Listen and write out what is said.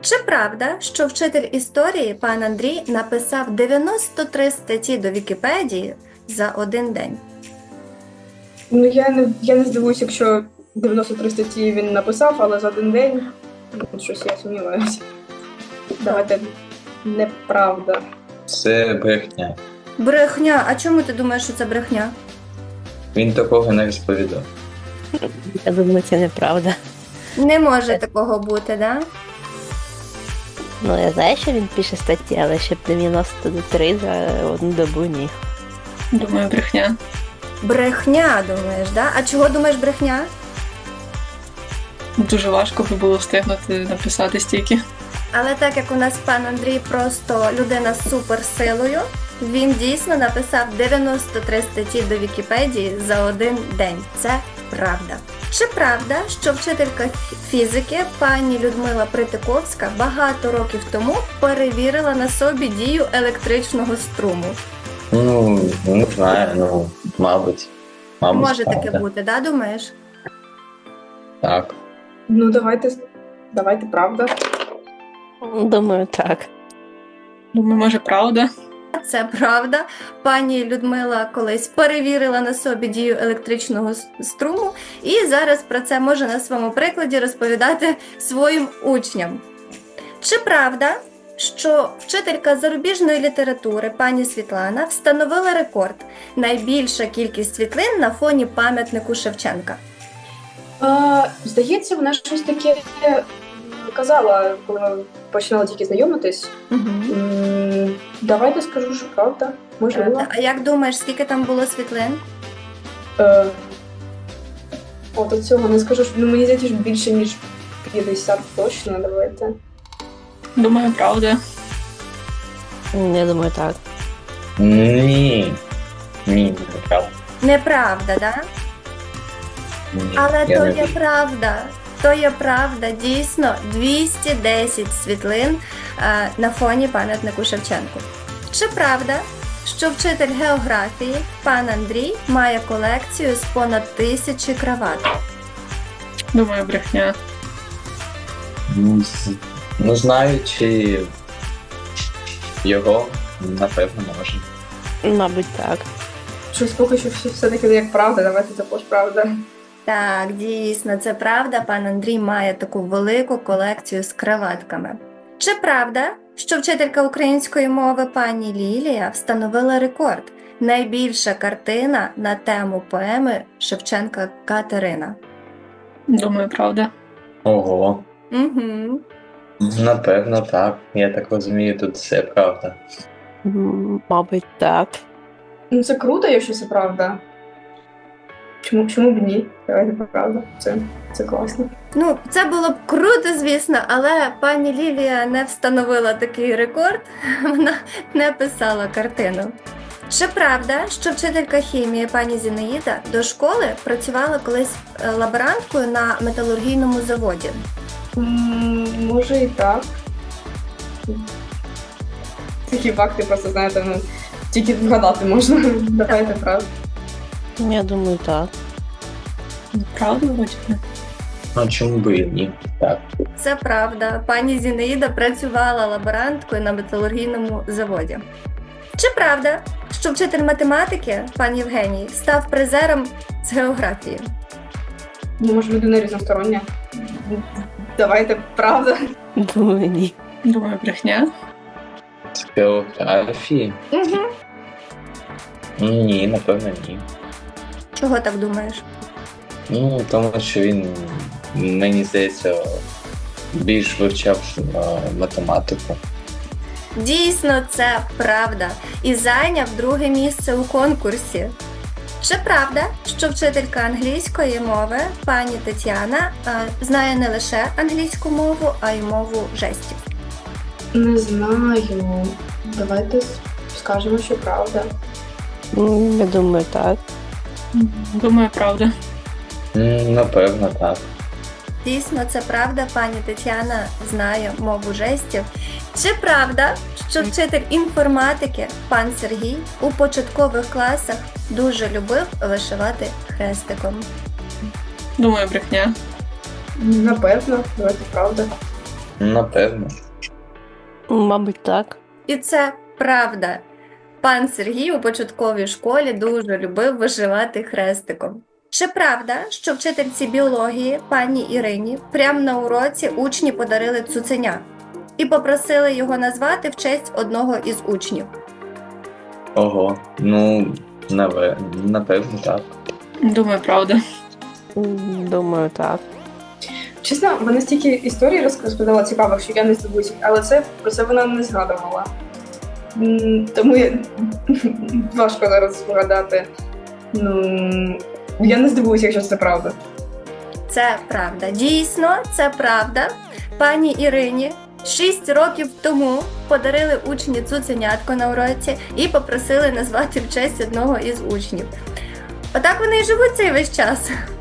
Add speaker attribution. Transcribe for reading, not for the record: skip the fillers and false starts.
Speaker 1: Чи правда, що вчитель історії пан Андрій написав 93 статті до Вікіпедії за один день?
Speaker 2: Ну, я не здивуюсь, якщо 93 статті він написав, але за один день щось я сумніваюся. Давайте неправда.
Speaker 3: Це брехня.
Speaker 1: Брехня. А чому ти думаєш, що це брехня?
Speaker 3: Він такого не розповідав.
Speaker 4: Я думаю, це неправда.
Speaker 1: Не може такого бути, да?
Speaker 4: Ну, я знаю, що він пише статті, але щоб 93 за одну добу ні.
Speaker 5: Думаю, брехня.
Speaker 1: Брехня, думаєш, да? А чого думаєш брехня?
Speaker 5: Дуже важко би було встигнути написати стільки.
Speaker 1: Але так як у нас пан Андрій просто людина з суперсилою, він дійсно написав 93 статті до Вікіпедії за один день. Це правда. Чи правда, що вчителька фізики пані Людмила Притиковська багато років тому перевірила на собі дію електричного струму?
Speaker 3: Ну, не знаю, мабуть.
Speaker 1: Може
Speaker 3: правда.
Speaker 1: таке бути, да, думаєш?
Speaker 3: Так.
Speaker 2: Ну, давайте правда.
Speaker 4: Думаю, так.
Speaker 5: Думаю, може, правда.
Speaker 1: Це правда. Пані Людмила колись перевірила на собі дію електричного струму і зараз про це може на своєму прикладі розповідати своїм учням. Чи правда, що вчителька зарубіжної літератури пані Світлана встановила рекорд – найбільша кількість світлин на фоні пам'ятнику Шевченка?
Speaker 2: Здається, вона щось таке казала, коли ми починали тільки знайомитись. Давайте скажу, що правда. Можливо.
Speaker 1: А як думаєш, скільки там було світлин?
Speaker 2: От цього не скажу, що мені здається, що більше, ніж 50 точно, давайте.
Speaker 5: Думаю, правда.
Speaker 4: Я думаю, так.
Speaker 3: Ні. Ні, неправда.
Speaker 1: Неправда, да?
Speaker 3: Ні,
Speaker 1: Але
Speaker 3: я
Speaker 1: то
Speaker 3: не
Speaker 1: є правда. То є правда, дійсно, 210 світлин на фоні пам'ятнику Шевченку. Чи правда, що вчитель географії пан Андрій має колекцію з понад 1000 крават?
Speaker 5: Думаю, брехня.
Speaker 3: Ну, знаючи його, напевно, може.
Speaker 4: Мабуть, так.
Speaker 2: Щось поки що все-таки не як правда, давайте також правда.
Speaker 1: Так, дійсно, це правда, пан Андрій має таку велику колекцію з краватками. Чи правда, що вчителька української мови пані Лілія встановила рекорд – найбільша картина на тему поеми Шевченка «Катерина»?
Speaker 5: Думаю, правда.
Speaker 3: Ого.
Speaker 1: Угу.
Speaker 3: Напевно, так. Я так розумію, тут все правда.
Speaker 4: Мабуть, так.
Speaker 2: Ну, це круто, якщо це правда. Чому б ні? Давайте правда. Це класно.
Speaker 1: Ну, це було б круто, звісно, але пані Лілія не встановила такий рекорд, вона не писала картину. Чи правда, що вчителька хімії пані Зінаїда до школи працювала колись лаборанткою на металургійному заводі?
Speaker 2: Може і так. Такі факти просто, знаєте, тільки вгадати можна. Давайте правда.
Speaker 4: Я думаю, так.
Speaker 5: Правда, вроді?
Speaker 3: Ну, чому би і ні? Так.
Speaker 1: Це правда. Пані Зінаїда працювала лаборанткою на металургійному заводі. Чи правда, що вчитель математики, пан Євгеній, став призером з географії?
Speaker 2: Ну, може, людина різностороння. Давайте правда.
Speaker 4: Думаю, ні.
Speaker 5: Думаю, брехня.
Speaker 3: З географії?
Speaker 1: Угу.
Speaker 3: Ні, напевно, ні.
Speaker 1: Чого так думаєш?
Speaker 3: Ну, тому що він, мені здається, більш вивчав математику.
Speaker 1: Дійсно, це правда. І зайняв друге місце у конкурсі. Чи правда, що вчителька англійської мови пані Тетяна знає не лише англійську мову, а й мову жестів?
Speaker 2: Не знаю. Давайте скажемо, що правда.
Speaker 4: Я думаю, так.
Speaker 5: Думаю, правда.
Speaker 3: Напевно, так.
Speaker 1: Дійсно, це правда, пані Тетяна знає мову жестів. Чи правда, що вчитель інформатики пан Сергій у початкових класах дуже любив вишивати хрестиком?
Speaker 5: Думаю, брехня.
Speaker 2: Напевно, давайте правда.
Speaker 3: Напевно.
Speaker 4: Мабуть, так.
Speaker 1: І це правда. Пан Сергій у початковій школі дуже любив вишивати хрестиком. Чи правда, що вчительці біології пані Ірині прямо на уроці учні подарили цуценя і попросили його назвати в честь одного із учнів?
Speaker 3: Ого. Ну, напевно, так.
Speaker 5: Думаю, правда.
Speaker 4: Думаю, так.
Speaker 2: Чесно, вона стільки історій розповідала цікавих, що я не здивуюся, але про це вона не згадувала. Тому важко зараз згадати. Я не здивуюся, якщо це правда.
Speaker 1: Це правда. Дійсно, це правда. Пані Ірині 6 років тому подарили учні цуценятко на уроці і попросили назвати в честь одного із учнів. Отак вони і живуть цей весь час.